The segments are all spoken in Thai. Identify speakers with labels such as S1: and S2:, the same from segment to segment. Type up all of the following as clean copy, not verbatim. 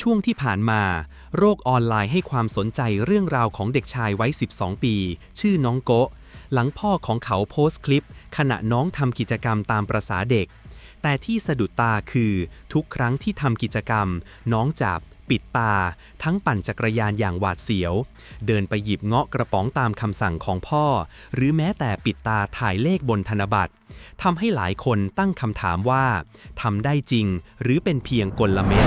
S1: ช่วงที่ผ่านมาโลกออนไลน์ให้ความสนใจเรื่องราวของเด็กชายวัย 12 ปี ชื่อน้องโกะหลังพ่อของเขาโพสต์คลิปขณะน้องทำกิจกรรมตามประสาเด็กแต่ที่สะดุดตาคือทุกครั้งที่ทำกิจกรรมน้องจับปิดตาทั้งปั่นจักรยานอย่างหวาดเสียวเดินไปหยิบเงาะกระป๋องตามคำสั่งของพ่อหรือแม้แต่ปิดตาถ่ายเลขบนธนบัตรทำให้หลายคนตั้งคำถามว่าทำได้จริงหรือเป็นเพียงกลเม็ด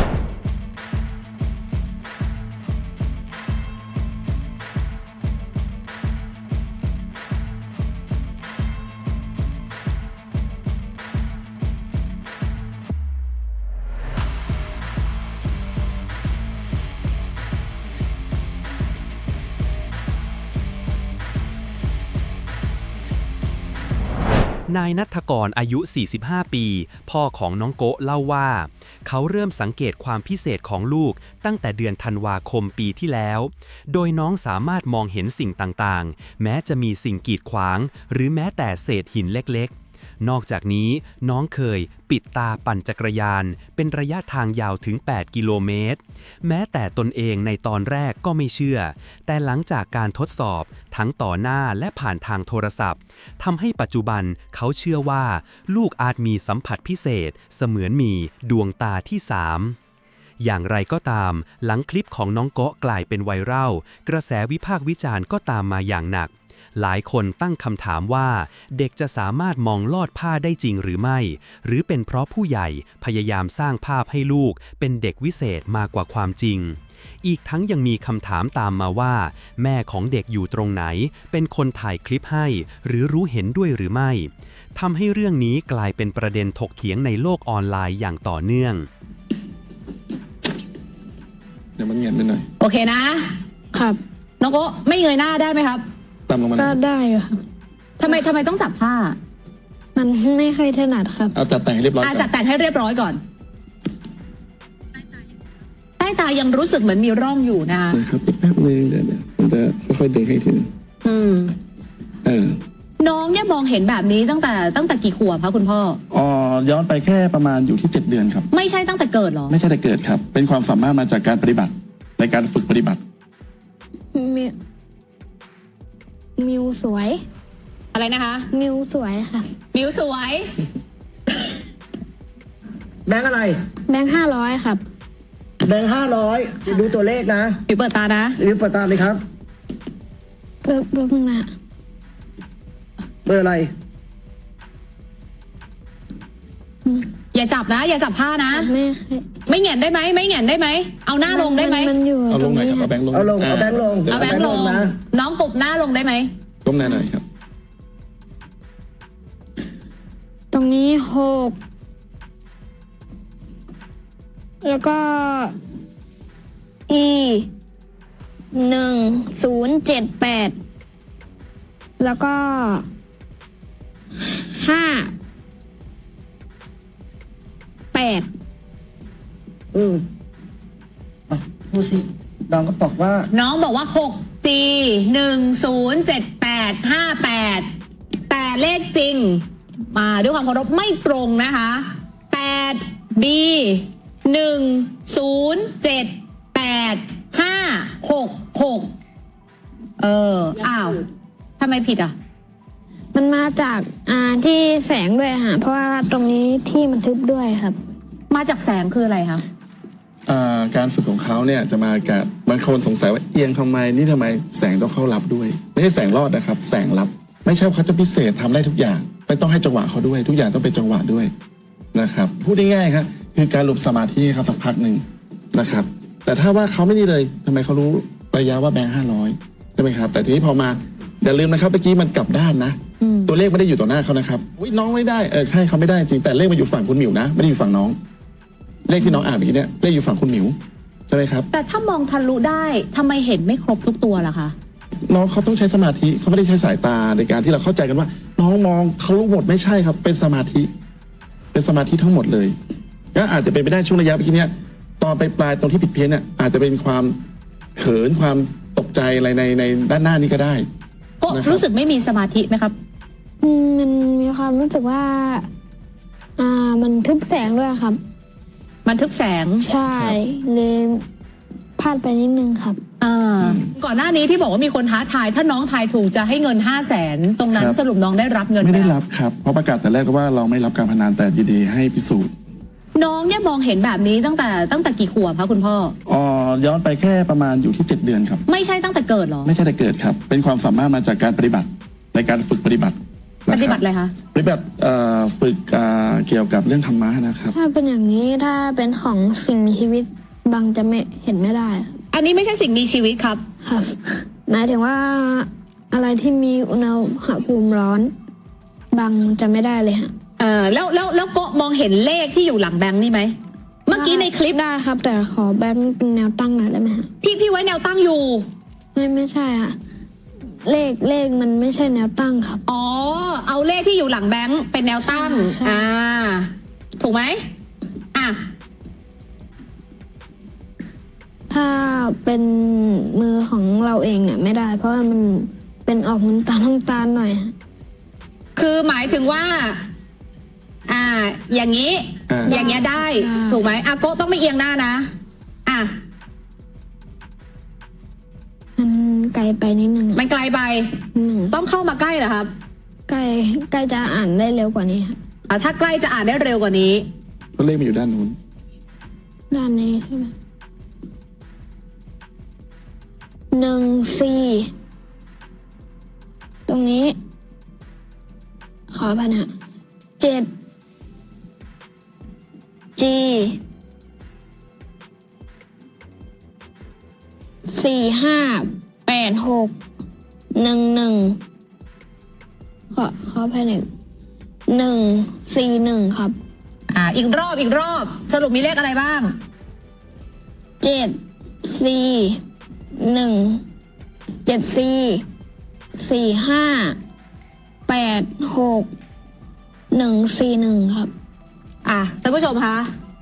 S1: นายณัฐกรอายุ 45 ปี พ่อของน้องโกะเล่าว่าเขาเริ่มสังเกตความพิเศษของลูกตั้งแต่เดือนธันวาคมปีที่แล้ว โดยน้องสามารถมองเห็นสิ่งต่างๆ แม้จะมีสิ่งกีดขวางหรือแม้แต่เศษหินเล็กๆนอกจากนี้น้องเคยปิดตาปั่นจักรยานเป็นระยะทางยาวถึง 8 กิโลเมตรแม้แต่ตนเองในตอนแรกก็ไม่เชื่อแต่หลังจากการทดสอบทั้งต่อหน้าและผ่านทางโทรศัพท์ทำให้ปัจจุบันเขาเชื่อว่าลูกอาจมีสัมผัสพิเศษเสมือนมีดวงตาที่3อย่างไรก็ตามหลังคลิปของน้องโกะกลายเป็นไวรัลกระแสวิพากษ์วิจารณ์ก็ตามมาอย่างหนักหลายคนตั้งคำถามว่าเด็กจะสามารถมองลอดผ้าได้จริงหรือไม่หรือเป็นเพราะผู้ใหญ่พยายามสร้างภาพให้ลูกเป็นเด็กวิเศษมากกว่าความจริงอีกทั้งยังมีคำถามตามมาว่าแม่ของเด็กอยู่ตรงไหนเป็นคนถ่ายคลิปให้หรือรู้เห็นด้วยหรือไม่ทำให้เรื่องนี้กลายเป็นประเด็นถกเถียงในโลกออนไลน์อย่างต่อเนื่อง
S2: เดี๋ยวมันเงียบไปหน่อย
S3: โอเคนะครับน้องโกะไม่เงยหน้าได้ไหมครับ
S2: ตามลงมา
S4: ก็ได้อยู่ครับ
S3: ทำไมต้องจับผ้า
S4: มันไม่ค่อยถนัดครับ
S2: เอาจัดแต่งให้เรียบร้อยก่อน
S3: จัดแต่งให้เรียบร้อยก่อนใต้ตายังรู้สึกเหมือนมีร่องอยู่นะคะ
S2: นะครับแป๊บนึงเดี๋ยวมันจะค่อยๆดึงให้ทีนึง
S3: น้องเนี่ยมองเห็นแบบนี้ตั้งแต่กี่ขวบคะคุณพ่อ
S2: ย้อนไปแค่ประมาณอยู่ที่7 เดือนครับ
S3: ไม่ใช่ตั้งแต่เกิดหรอ
S2: ไม่ใช่แต่เกิดครับเป็นความสามารถมาจากการปฏิบัติในการฝึกปฏิบัติ
S4: มิวสวย
S3: อะไรนะคะ
S4: มิวสวยค่ะ
S3: มิวสวย
S5: แบงค์อะไร
S4: แบงค์500ครับ
S5: แบงค์500ดูตัวเลขนะ
S3: ปิดเปิดตานะ
S5: เปิดตาเลยครับ
S4: เบอร์นะ
S5: เบอร์อะไร
S3: อย่าจับนะอย่าจับผ้านะไม่แหงนได้ไหมไม่แหงนได้ไหมเอาหน้าลงได้ไหม
S2: เอาลงหน่อยครับเอาแบงค์ลง
S5: เอาแบงค์ลง
S3: เอาแบงค์ลงน้องกบหน้าลงได้ไหม
S2: ก้มหน้าหน่อยครับ
S4: ตรงนี้6แล้วก็ 1078แล้วก็5 8
S5: พูดสิน้องก็บอกว่า
S3: น้องบอกว่า6 4 1 0 7 8 5 8แต่เลขจริงมาด้วยความเคารพไม่ตรงนะคะ8 B 1 0 7 8 5 6 6อ้าวทำไมผิดอ่ะ
S4: มันมาจากที่แสงด้วยค่ะเพราะว่าตรงนี้ที่มันทึบด้วยครับ
S3: มาจากแสงคืออะไรคะ
S2: การฝึกของเขาเนี่ยจะมากับบางคนสงสัยว่าเอียงทำไมนี่ทำไมแสงต้องเข้ารับด้วยไม่ใช่แสงรอดนะครับแสงรับไม่ใช่เขาจะพิเศษทำได้ทุกอย่างไม่ต้องให้จังหวะเขาด้วยทุกอย่างต้องเป็นจังหวะด้วยนะครับพูดง่ายๆครับคือการหลบสมาธิครับสักพักหนึ่งนะครับแต่ถ้าว่าเขาไม่นี่เลยทำไมเขารู้ระยะว่าแบงค์500ใช่ไหมครับแต่ทีนี้พอมาอย่าลืมนะครับเมื่อกี้มันกลับด้านนะตัวเลขไม่ได้อยู่ต่อหน้าเขานะครับน้องไม่ได้ใช่เขาไม่ได้จริงแต่เลขมาอยู่ฝั่งคุณหมิวนะไม่ได้อยู่ฝั่งน้องเลขที่น้องอ่านเมื่อกี้เนี่ยเลขอยู่ฝั่งคุณหมิวใช่ไหมครับ
S3: แต่ถ้ามองทะลุได้ทำไมเห็นไม่ครบทุกตัวล่ะคะ
S2: น้องเขาต้องใช้สมาธิเขาไม่ได้ใช้สายตาในการที่เราเข้าใจกันว่าน้องมองทะลุหมดไม่ใช่ครับเป็นสมาธิทั้งหมดเลยก็อาจจะเป็นไปได้ช่วงระยะเมื่อกี้เนี่ยตอนไปปลายตรงที่ผิดเพี้ยนเนี่ยอาจจะเป็นความเขินความตกใจอะไรในด้านหน้านี้ก็ได้
S3: ก็รู้สึกไม่มีสมาธิไหมครับ
S4: มันมีความรู้สึกว่ามันทึบแสงด้วยครับ
S3: มันทึบแสง
S4: ใช่เลยพลาดไปนิดนึงครับ
S3: ก่อนหน้านี้ที่บอกว่ามีคนท้าทายถ้าน้องทายถูกจะให้เงิน 500,000 ตรงนั้น
S2: ครับ
S3: สรุปน้องได้รับเงิน
S2: ไม่ได้
S3: ห
S2: รับครับเพราะประกาศแต่แรกก็ว่าเราไม่รับการพนันแต่ยินดีให้พิสูจน์
S3: น้องเนี่ยมองเห็นแบบนี้ตั้งแต่กี่ขวบคะคุณพ่อ
S2: ย้อนไปแค่ประมาณอยู่ที่ 7 เดือนครับ
S3: ไม่ใช่ตั้งแต่เกิดเหรอ
S2: ไม่ใช่แต่เกิดครับเป็นความสามารถมาจากการปฏิบัติในการฝึกปฏิบัตินะค
S3: ปฏิบัติอะไรคะ
S2: ปฏิบัติฝึกเกี่ยวกับเรื่องธรรมะนะครับ
S4: ถ้าเป็นอย่างนี้ถ้าเป็นของสิ่งมีชีวิตบางจะไม่เห็นไม่ได้
S3: อันนี้ไม่ใช่สิ่งมีชีวิตครับ
S4: ครับหมายถึงว่าอะไรที่มีอุณหภูมิร้อนบางจะไม่ได้เลยฮะ
S3: แล้วก็มองเห็นเลขที่อยู่หลังแบงค์นี่ไหม เมื่อกี้ในคลิป
S4: ได้ครับ แต่ขอแบงค์เป็นแนวตั้งหน่อยได้ไหมฮะ
S3: พี่ไว้แนวตั้งอยู่
S4: ไม่ใช่ฮะเลขมันไม่ใช่แนวตั้งครับ
S3: อ๋อ เอาเลขที่อยู่หลังแบงค์เป็นแนวตั้ง
S4: ใช่
S3: ถูกไหมอ่ะ
S4: ถ้าเป็นมือของเราเองเนี่ยไม่ได้ เพราะว่ามันเป็นออกน้ำตาลหน่อยฮะ
S3: คือหมายถึงว่า อย่างนี้ อย่างเงี้ยได้ ถูกไหมโกะต้องไม่เอียงหน้านะ
S4: มันไกลไปนิดนึง
S3: มันไกลไป
S4: นิดนึง
S3: ต้องเข้ามาใกล้เหรอครับ
S4: ใกล้จะอ่านได้เร็วกว่านี้ครับ
S3: ถ้าใกล้จะอ่านได้เร็วกว่านี้
S2: ก็เลขมันอยู่ด้านนู้น
S4: ด้านนี้ใช่ไหม1 4ตรงนี้ ขอพันธ์7 G 458611ขอภายใน141ครับ
S3: อีกรอบสรุปมีเลขอะไรบ้าง
S4: 7 4 1 7 4 45 86 141ครับ
S3: ท่านผู้ชมคะ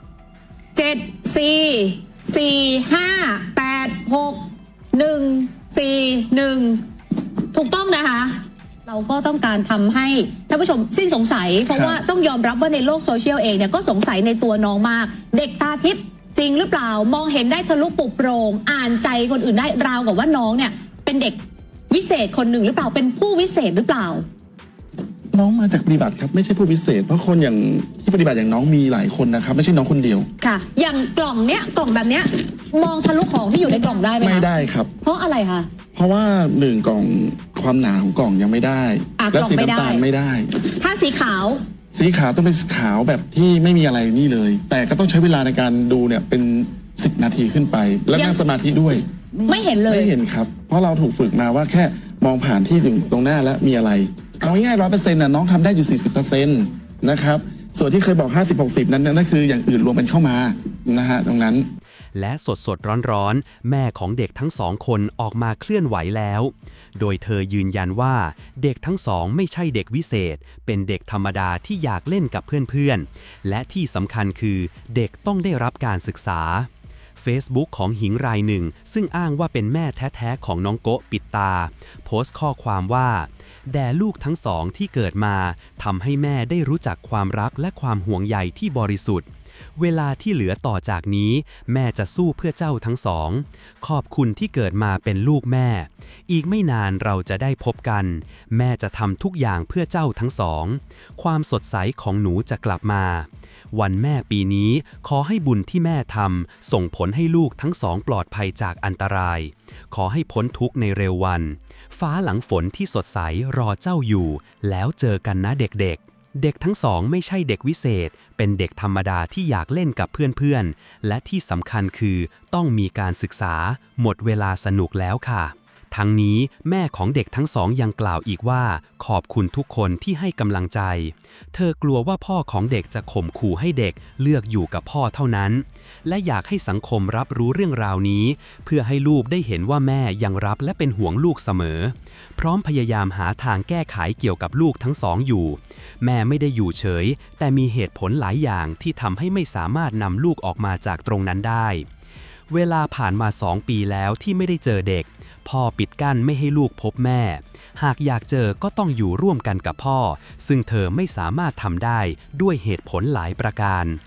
S3: 7 4 4 5 8 6 1 4 1ถูกต้องนะคะ เราก็ต้องการทำให้ท่านผู้ชมสิ้นสงสัย เพราะว่าต้องยอมรับว่าในโลกโซเชียลเองเนี่ยก็สงสัยในตัวน้องมาก เด็กตาทิพย์จริงหรือเปล่ามองเห็นได้ทะลุปุโปร่งอ่านใจคนอื่นได้ราวกับว่าน้องเนี่ย เป็นเด็กวิเศษคนหนึ่งหรือเปล่าเป็นผู้วิเศษหรือเปล่า
S2: น้องมาจากปฏิบัติครับไม่ใช่ผู้พิเศษ เพราะคนอย่างที่ปฏิบัติอย่างน้องมีหลายคนนะครับไม่ใช่น้องคนเดียว
S3: ค่ะ อย่างกล่องแบบเนี้ยมองทะลุของที่อยู่ในกล่องได้ไหมคะ
S2: ไม่ได้ครับ
S3: เพราะอะไรคะ
S2: เพราะว่า1กล่องความหนาของกล่องยังไม่ได้ และ
S3: กล่อง
S2: สี
S3: ไม่ได้
S2: น้ำตาลไม่ได้
S3: ถ้าสีขาว
S2: สีขาวต้องเป็นขาวแบบที่ไม่มีอะไรนี่เลย แต่ก็ต้องใช้เวลาในการดูเนี่ยเป็น10 นาทีขึ้นไป แล้วนั่งสมาธิด้วย
S3: ไม่เห็นเลย
S2: ไม่เห็นครับ เพราะเราถูกฝึกมาว่าแค่มองผ่านที่ตรงหน้าแล้วมีอะไรเอาง่ายๆ100%น่ะน้องทำได้อยู่ 40% นะครับส่วนที่เคยบอก50-60นั่นคืออย่างอื่นรวมกันเข้ามานะฮะตรงนั้น
S1: และสดร้อนแม่ของเด็กทั้งสองคนออกมาเคลื่อนไหวแล้ว โดยเธอยืนยันว่าเด็กทั้งสองไม่ใช่เด็กวิเศษ เป็นเด็กธรรมดาที่อยากเล่นกับเพื่อนๆและที่สำคัญคือเด็กต้องได้รับการศึกษา Facebook ของหญิงรายหนึ่งซึ่งอ้างว่าเป็นแม่แท้ๆของน้องโกะปิดตาโพสต์ข้อความว่าแด่ลูกทั้งสองที่เกิดมาทำให้แม่ได้รู้จักความรักและความห่วงใยที่บริสุทธิ์เวลาที่เหลือต่อจากนี้แม่จะสู้เพื่อเจ้าทั้งสองขอบคุณที่เกิดมาเป็นลูกแม่อีกไม่นานเราจะได้พบกันแม่จะทำทุกอย่างเพื่อเจ้าทั้งสองความสดใสของหนูจะกลับมาวันแม่ปีนี้ขอให้บุญที่แม่ทำส่งผลให้ลูกทั้งสองปลอดภัยจากอันตรายขอให้พ้นทุกข์ในเร็ววันฟ้าหลังฝนที่สดใสรอเจ้าอยู่แล้วเจอกันนะเด็กๆเด็กทั้งสองไม่ใช่เด็กวิเศษเป็นเด็กธรรมดาที่อยากเล่นกับเพื่อนๆและที่สำคัญคือต้องมีการศึกษาหมดเวลาสนุกแล้วค่ะทั้งนี้แม่ของเด็กทั้งสองยังกล่าวอีกว่าขอบคุณทุกคนที่ให้กำลังใจเธอกลัวว่าพ่อของเด็กจะข่มขู่ให้เด็กเลือกอยู่กับพ่อเท่านั้นและอยากให้สังคมรับรู้เรื่องราวนี้เพื่อให้ลูกได้เห็นว่าแม่ยังรับและเป็นห่วงลูกเสมอพร้อมพยายามหาทางแก้ไขเกี่ยวกับลูกทั้งสองอยู่แม่ไม่ได้อยู่เฉยแต่มีเหตุผลหลายอย่างที่ทำให้ไม่สามารถนำลูกออกมาจากตรงนั้นได้เวลาผ่านมา2 ปีแล้วที่ไม่ได้เจอเด็กพ่อปิดกั้นไม่ให้ลูกพบแม่หากอยากเจอก็ต้องอยู่ร่วมกันกับพ่อซึ่งเธอไม่สามารถทำได้ด้วยเหตุผลหลายประการ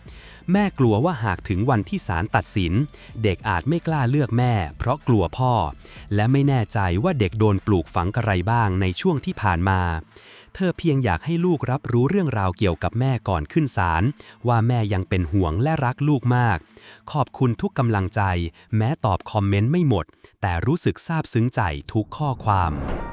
S1: แม่กลัวว่าหากถึงวันที่ศาลตัดสินเด็กอาจไม่กล้าเลือกแม่เพราะกลัวพ่อและไม่แน่ใจว่าเด็กโดนปลูกฝังอะไรบ้างในช่วงที่ผ่านมาเธอเพียงอยากให้ลูกรับรู้เรื่องราวเกี่ยวกับแม่ก่อนขึ้นศาลว่าแม่ยังเป็นห่วงและรักลูกมากขอบคุณทุกกำลังใจแม้ตอบคอมเมนต์ไม่หมดแต่รู้สึกซาบซึ้งใจทุกข้อความ